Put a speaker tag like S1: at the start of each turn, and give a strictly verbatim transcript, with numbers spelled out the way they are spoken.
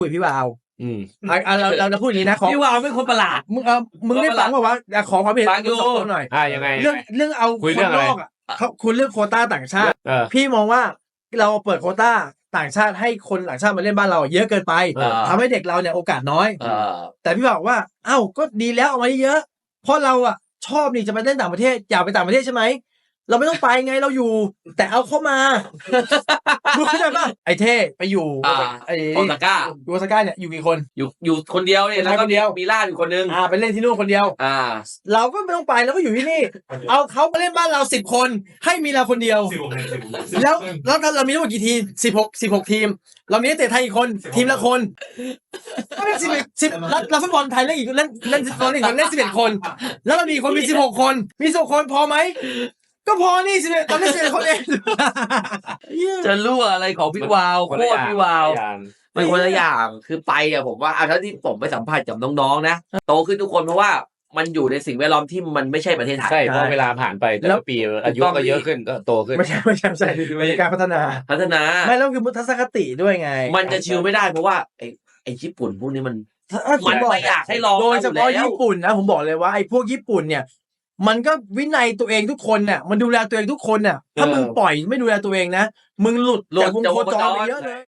S1: คุยพี่วาว
S2: อืม
S1: อ่ะเราเราจะพูดอย่างนี้นะขอ
S3: พี่วาวเป็นคนประหลาด
S1: มึงเออมึงได้ฟังว่าว่าขอความเห็น
S3: ฟังอยู่
S1: สองคนหน่อย
S2: อ่ายังไง
S1: เรื่องเรื่องเอา
S2: คุย
S1: ค
S2: เรื่อน งอะ
S1: น
S2: ไร
S1: อกอ่ะเขาคุณเรื่องโควต้าต่างชาติ
S2: เออ
S1: พี่มองว่าเราเปิดโควต้าต่างชาติให้คนต่างชาติมาเล่นบ้านเราเยอะเกินไป
S2: เออ
S1: ทำให้เด็กเราเนี่ยโอกาสน้อย
S3: เออ
S1: แต่พี่บอกว่าเอ้าก็ดีแล้วเอามาเยอะเพราะเราอ่ะชอบนี่จะไปเล่นต่างประเทศอยากไปต่างประเทศใช่ไหมเราไม่ต้องไปไงเราอยู่ แต่เอาเข้ามารู้เข้าใจป่ะไอ้เท่ไปอยู่
S3: อ่า
S1: ไอ้
S3: โอซาก้า
S1: ยูโอซาก้าเนี่ยอยู่กี่คน
S3: อยู่อยู่คนเดียวเนี่ยแล้วก็
S1: คนเดียว
S3: มีล่าอยู่คนนึง
S1: อ่าไปเล่นที่นู่นคนเดียว
S3: อ่า
S1: เราก็ไม่ต้องไปเราก็อยู่ที่นี่ เอาเขามาเล่นบ้านเราสิบคนให้มีเราคนเดียว แล้วแล้วเรามีทั้งหมดกี่ทีมสิบหกสิบหกทีม เรามีนักเตะไทยอีกคนทีมละคนก็เล่นสิบเอ็ดสิบแล้วแล้วฟุตบอลไทยเล่นอีกเล่นเล่นฟุตบอลอีกคนเล่นสิบเอ็ดคน แล้วเรามีคนมีสิบหกคน มีสิบคนพอไหมก็พอนี่สิบเอ็ดเราเล่นสิบเอ็ดคนเอง
S3: จะรั่วอะไรของพี่วาว
S2: คน
S3: โค
S2: ละ
S3: ต
S2: อ
S3: ร
S2: ย่าง
S3: พี่วาว
S2: คนละอย่าง
S3: มันคนละอย่างคือไปอะผมว่าอ่ะถ้าที่ผมไปสัมผัสกับน้องๆนะโตขึ้นทุกคนเพราะว่ามันอยู่ในสิ่งแวดล้อมที่มันไม่ใช่ประเทศไทย
S2: ใช่เพราะเวลาผ่านไปแต่
S1: แล้
S2: ละ
S1: ว
S2: ปีอายุก็เยอะขึ้นก็โตขึ้น
S1: ไม่ใช่ไม่ใช่ไม่ใช่เป็นการพัฒนา
S3: พัฒนา
S1: ไม่แล้วคือทัศนคติด้วยไง
S3: มันจะชิลไม่ได้เพราะว่าไอ้ไอ้ญี่ปุ่นพวกนี้มัน
S1: ถ้าผ
S3: มัน
S1: บอก
S3: ไม่อยากให้ลอง
S1: โดยเฉพาะ
S3: อยู่แล้ว
S1: ญี่ปุ่นนะผมบอกเลยว่าไอ้พวกญี่ปุ่นเนี่ย มันก็วินัยตัวเองทุกคนเนี่ยมันดูแลตัวเองทุกคนเนี่ยถ้ามึงปล่อยไม่ดูแลตัวเองนะมึงหลุด
S3: หลุด
S1: จากวง
S3: จาก
S1: โคว
S3: ง
S1: จ
S3: โคจ
S1: ร
S3: ร
S1: ไปเยอะเลย